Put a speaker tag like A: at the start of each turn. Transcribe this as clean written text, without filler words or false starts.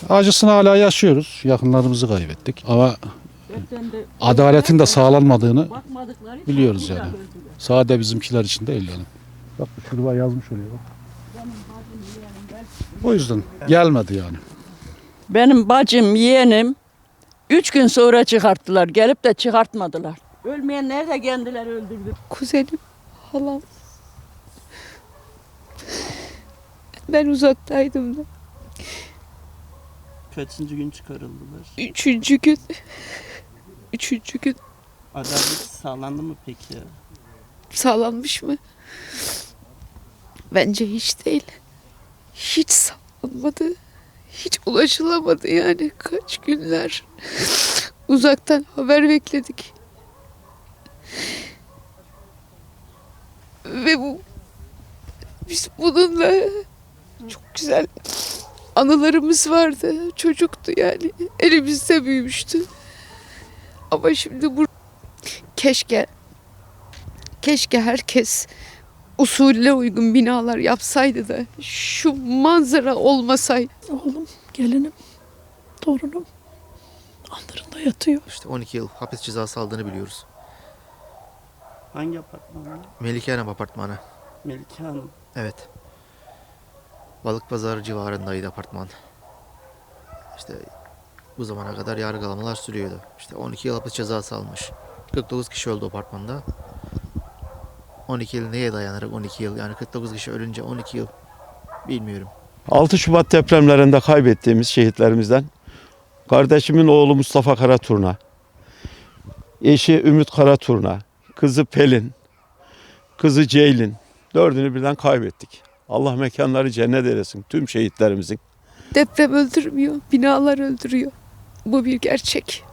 A: Acısını hala yaşıyoruz. Yakınlarımızı kaybettik. Ama adaletin de sağlanmadığını biliyoruz yani. Sadece bizimkiler için değil yani. Bak şurada yazmış oluyor. O yüzden gelmedi yani.
B: Benim bacım, yeğenim 3 gün sonra çıkarttılar. Gelip de çıkartmadılar. Ölmeyenler de kendileri öldürdü.
C: Kuzenim, halam. Ben uzaktaydım da.
D: Kaçıncı gün çıkarıldılar?
C: Üçüncü gün. Üçüncü gün
D: Adalet sağlandı mı peki?
C: sağlanmış mı? Bence hiç değil. Hiç sağlanmadı. Hiç ulaşılamadı yani. Kaç günler uzaktan haber bekledik. Ve biz bununla çok güzel anılarımız vardı. Çocuktu yani. Elimizde büyümüştü. Ama şimdi keşke herkes usulle uygun binalar yapsaydı da şu manzara olmasaydı.
E: Oğlum, gelinim, torunum andırında yatıyor.
F: İşte 12 yıl hapis cezası aldığını biliyoruz.
D: Hangi apartmanda?
F: Melike Hanım apartmanı.
D: Melike Hanım.
F: Evet. Balıkpazarı civarındaydı apartman. İşte bu zamana kadar yargılamalar sürüyordu. İşte 12 yıl hapis cezası almış. 49 kişi öldü apartmanda. 12 yıl neye dayanır? 12 yıl yani 49 kişi ölünce 12 yıl bilmiyorum.
G: 6 Şubat depremlerinde kaybettiğimiz şehitlerimizden kardeşimin oğlu Mustafa Karaturna, eşi Ümit Karaturna, kızı Pelin, kızı Ceylin, dördünü birden kaybettik. Allah mekanları cennet eylesin tüm şehitlerimizin.
C: Deprem öldürmüyor, binalar öldürüyor. Bu bir gerçek.